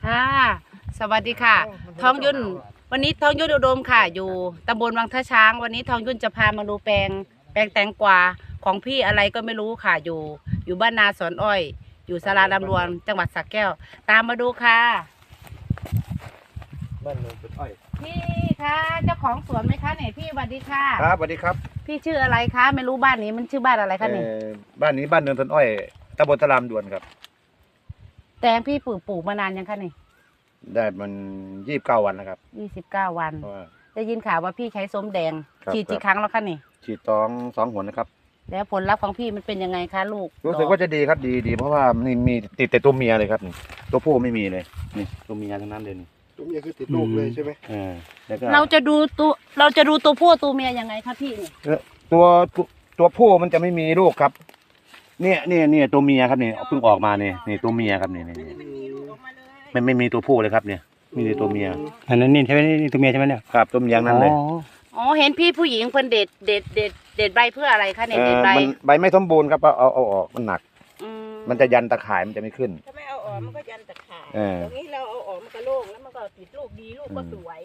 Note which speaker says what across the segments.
Speaker 1: ค่ะสวัสดีค่ะ ทองยุ่นวันนี้ทองยุ่นอุดมค่ะ อยู่ตำบลวังท่าช้างวันนี้ทองยุ่นจะพามาดูแปลงแตงกวาของพี่อะไรก็ไม่รู้ค่ะอยู่บ้านนาสอนอ้อย อยู่สาราลำรวนจังหวัดสระแก้ว ตามมาดูค่ะ
Speaker 2: บ้านโนนต้นอ้อย
Speaker 1: พี่คะเจ้าของสวนไหมคะเนี่ยพี่สวัสดีค่ะ
Speaker 2: ครับสวัสดีครับ
Speaker 1: พี่ชื่ออะไรคะไม่รู้บ้านนี้มันชื่อบ้านอะไรคะเนี่ย
Speaker 2: บ้านนี้บ้านเนินต้นอ้อยตำบลตะลามด่วนครับ
Speaker 1: แตงพี่ปลูกมานานยังคะเนี่ย
Speaker 2: ได้มัน29 วันนะครับ
Speaker 1: 29 วันได้ยินข่าวว่าพี่ใช้ส้มแดงฉีดกี่ครั้งแล้วคะนี่
Speaker 2: ฉีดสองหนนะครับ
Speaker 1: แล้วผลลัพธ์ของพี่มันเป็นยังไงคะลูก
Speaker 2: รู้สึกว่าจะดีครับดีเพราะว่ามันมีติดแต่ตัวเมียเลยครับตัวผู้ไม่มีเลยนี่ตัวเมียทั้งนั้นเลยนี่
Speaker 3: ตัวเมียคือติดลูกเลยใช่ไหม
Speaker 2: แล้วก็
Speaker 1: เราจะดูตัวผู้ตัวเมียยังไงคะพี่นี่
Speaker 2: ตัวผู้มันจะไม่มีลูกครับเนี่ยตัวเมียครับนี่เพิ่งออกมานี่ตัวเมียครับนี่มันไม่มีตัวผู้เลยครับเนี่ยมีแต่ตัวเมีย
Speaker 4: อันนั้นนี่ใช่ไหมนี่ตัวเมียใช่ไหมเนี่ย
Speaker 2: ครับตัวเมียนั้นเลย
Speaker 1: อ๋อเห็นพี่ผู้หญิงเพิ่นเด็ดใบเพื่ออะไรคะเนี่ยเด็ดใบ
Speaker 2: ใบไม่สมบูรณ์ครับเอาออกมันหนักมันจะยันตะข่ายมันจะไม่ขึ้น
Speaker 5: ถ้าไม่เอาออกมันก็ยันตะข่ายตรงนี้เราเอาออกมันก็โล่งแล้วมันก็ติดลูกดีลูกก็สวย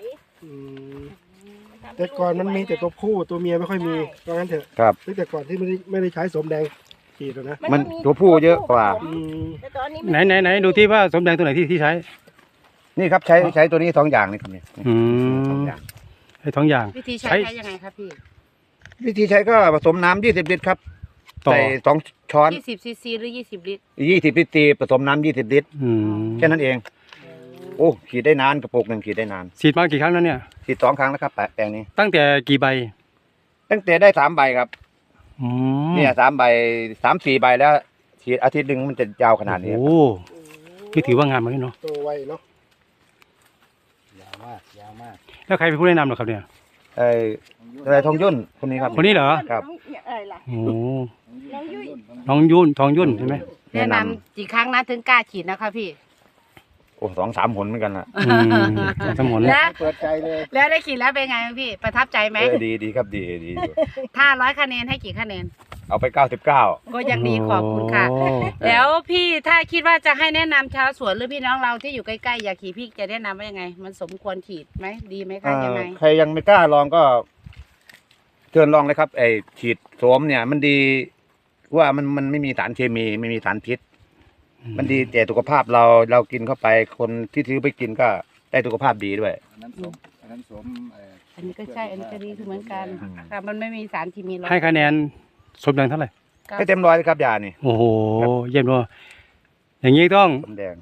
Speaker 3: แต่ก่อนมันมีแต่ตัวผู้ตัวเมียไม่ค่อยมีเพราะงั้นเถอะ
Speaker 2: ครับ
Speaker 3: แต่ก่อนที่ไม่ได้ใช้สมแดงฉีดนะ
Speaker 2: มันตัวผู้เยอะกว่า
Speaker 4: ไหนดูที่ว่าสมแดงตัวไหนที่ใช้
Speaker 2: นี่ครับใช้ตัวนี้2 อย่างนี่ครับเนี่ย2 อย่าง
Speaker 4: ใช้2 อย่าง
Speaker 1: วิธีใช้ยังไงครับพี่
Speaker 2: วิธีใช้ก็ผสมน้ำ20 ลิตรครับใส่2 ช้อน
Speaker 1: 20 ซีซีหรือ20 ลิตร
Speaker 2: 20 ลิตรผสมน้ำ20 ลิตรแค่นั้นเองโอ้ขีดได้นานกระปุกหนึ่งขีดได้นาน
Speaker 4: ฉีดมากี่ครั้งแล้วเนี่ย
Speaker 2: ฉีด2 ครั้งแล้วครับแปลงนี้
Speaker 4: ตั้งแต่กี่ใบ
Speaker 2: ตั้งแต่ได้3 ใบครับเนี่ย3 ใบ3-4 ใบแล้วฉีดอาทิตย์หนึ่งมันจะยาวขนาดนี้
Speaker 4: โอ้นี่ถือว่างามมากเนาะ
Speaker 3: โตไวเนาะ
Speaker 2: ยาวมาก
Speaker 4: แล้วใครเป็นผู้แนะนำหรอครับเนี่ย
Speaker 2: อะไรทองยุ่นคนนี้ครับ
Speaker 4: คนนี้เหรอ
Speaker 2: ครับ
Speaker 4: โอ้น้องยุ่นทองยุ่นใช่ไหม
Speaker 1: แนะนำกี่ครั้งนะถึงกล้าฉีดนะคะพี่
Speaker 2: โอ้2-3 หนเหมือนกันละ
Speaker 4: 3 หน
Speaker 1: แล้ว
Speaker 3: เปิดใจเลย
Speaker 1: แล้วได้ฉีดแล้วเป็นไงพี่ประทับใจไหม
Speaker 2: ดีครับดี
Speaker 1: ถ้า100 คะแนนให้กี่คะแนน
Speaker 2: เอาไป99
Speaker 1: ก็ยังดีขอบคุณค่ะแล้วพี่ถ้าคิดว่าจะให้แนะนำชาวสวนหรือพี่น้องเราที่อยู่ใกล้ๆอยากขี่พี่จะแนะนำว่ายังไงมันสมควรฉีดไหมดีไหมคะยังไง
Speaker 2: ใครยังไม่กล้าลองก็เชิญลองเลยครับฉีดโสมเนี่ยมันดีว่ามันไม่มีสารเคมีไม่มีสารพิษมันดีแต่สุขภาพเรากินเข้าไปคนที่ซื้อไปกินก็ได้สุขภาพดีด้วย
Speaker 3: อันนั้นสม
Speaker 1: อันนี้ก็ใช่อันนี้ก็ดีคือเหมือนกันค่ะมันไม่มีสารเคมี
Speaker 4: ให้คะแนนสมแดงเท่าไหร่
Speaker 2: ให้เต็ม100ครับยานี่
Speaker 4: โอ้โหเยี่ยมเลยอย่างนี้ต้อง
Speaker 2: สมแดง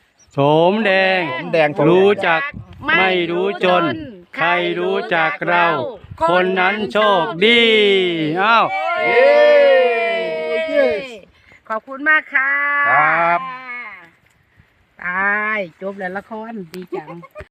Speaker 4: รู้จักไม่รู้จนใครรู้จักเราคนนั้นโชคดีอ้าว
Speaker 1: ขอบคุณมากค่ะ
Speaker 2: ครับ
Speaker 1: ตายจบแล้วละครดีจัง